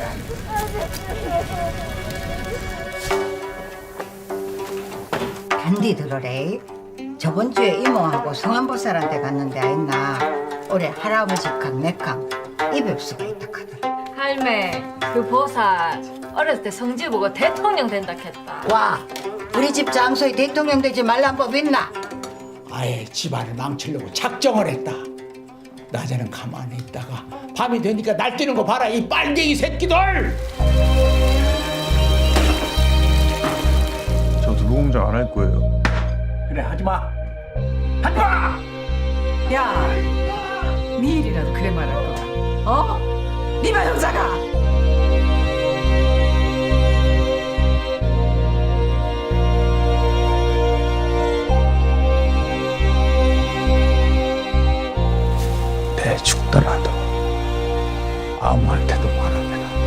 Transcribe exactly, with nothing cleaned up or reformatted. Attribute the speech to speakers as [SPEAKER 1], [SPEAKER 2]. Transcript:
[SPEAKER 1] 단디 들으래. 저번 주에 이모하고 성안보살한테 갔는데 아있나 올해 할아버지 강, 내강 입엽수가 있다 카더라.
[SPEAKER 2] 할매, 그 보살 어렸을 때 성질 보고 대통령 된다 했다.
[SPEAKER 1] 와, 우리 집 장소에 대통령 되지 말란 법 있나?
[SPEAKER 3] 아예 집안을 망치려고 작정을 했다. 낮에는 가만히 있다가 밤이 되니까 날뛰는 거 봐라, 이 빨갱이 새끼들!
[SPEAKER 4] 저 누구공장 안 할 거예요.
[SPEAKER 3] 그래, 하지마! 하지마!
[SPEAKER 5] 야, 네 일이라도 그래 말할 거야. 어? 네가 형사가.
[SPEAKER 3] 내 죽더라도 아무한테도 말 안 해라.